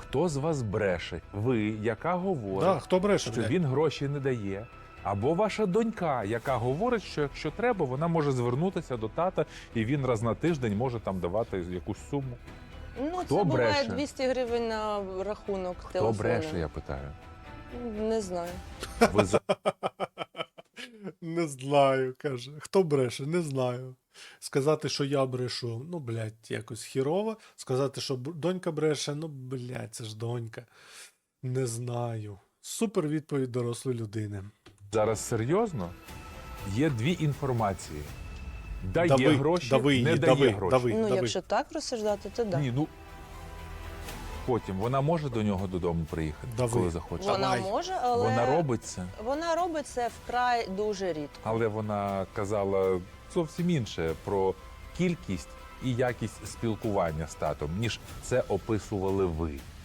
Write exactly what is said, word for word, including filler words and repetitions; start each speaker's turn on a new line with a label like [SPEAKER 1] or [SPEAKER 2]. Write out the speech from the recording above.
[SPEAKER 1] Хто з вас бреше? Ви, яка говорить,
[SPEAKER 2] Да, хто бреше,
[SPEAKER 1] що
[SPEAKER 2] блядь?
[SPEAKER 1] він гроші не дає. Або ваша донька, яка говорить, що якщо треба, вона може звернутися до тата, і він раз на тиждень може там давати якусь суму.
[SPEAKER 3] Ну,
[SPEAKER 1] Хто
[SPEAKER 3] це буває
[SPEAKER 1] бреше?
[SPEAKER 3] двісті гривень на рахунок
[SPEAKER 1] Хто
[SPEAKER 3] телефону.
[SPEAKER 1] бреше, я питаю.
[SPEAKER 3] Не знаю.
[SPEAKER 1] Ви за...
[SPEAKER 2] Не знаю, каже. Хто бреше? Не знаю. Сказати, що я брешу, ну, блядь, якось хірово. Сказати, що б- донька бреше, ну, блядь, це ж донька. Не знаю. Супер відповідь дорослої людини.
[SPEAKER 1] зараз серйозно? Є дві інформації. Дає
[SPEAKER 2] Дави,
[SPEAKER 1] гроші,
[SPEAKER 2] дави її,
[SPEAKER 1] не дає
[SPEAKER 2] дави,
[SPEAKER 1] гроші.
[SPEAKER 2] дави.
[SPEAKER 3] Ну, якщо так розсуждати, то так.
[SPEAKER 1] Ні, ну потім вона може до нього додому приїхати,
[SPEAKER 2] Дави.
[SPEAKER 1] коли захоче.
[SPEAKER 3] Вона
[SPEAKER 2] Давай.
[SPEAKER 3] може, але
[SPEAKER 1] Вона робить це,
[SPEAKER 3] вона робить це вкрай дуже рідко.
[SPEAKER 1] але вона казала зовсім інше про кількість і якість спілкування з татом, ніж це описували ви.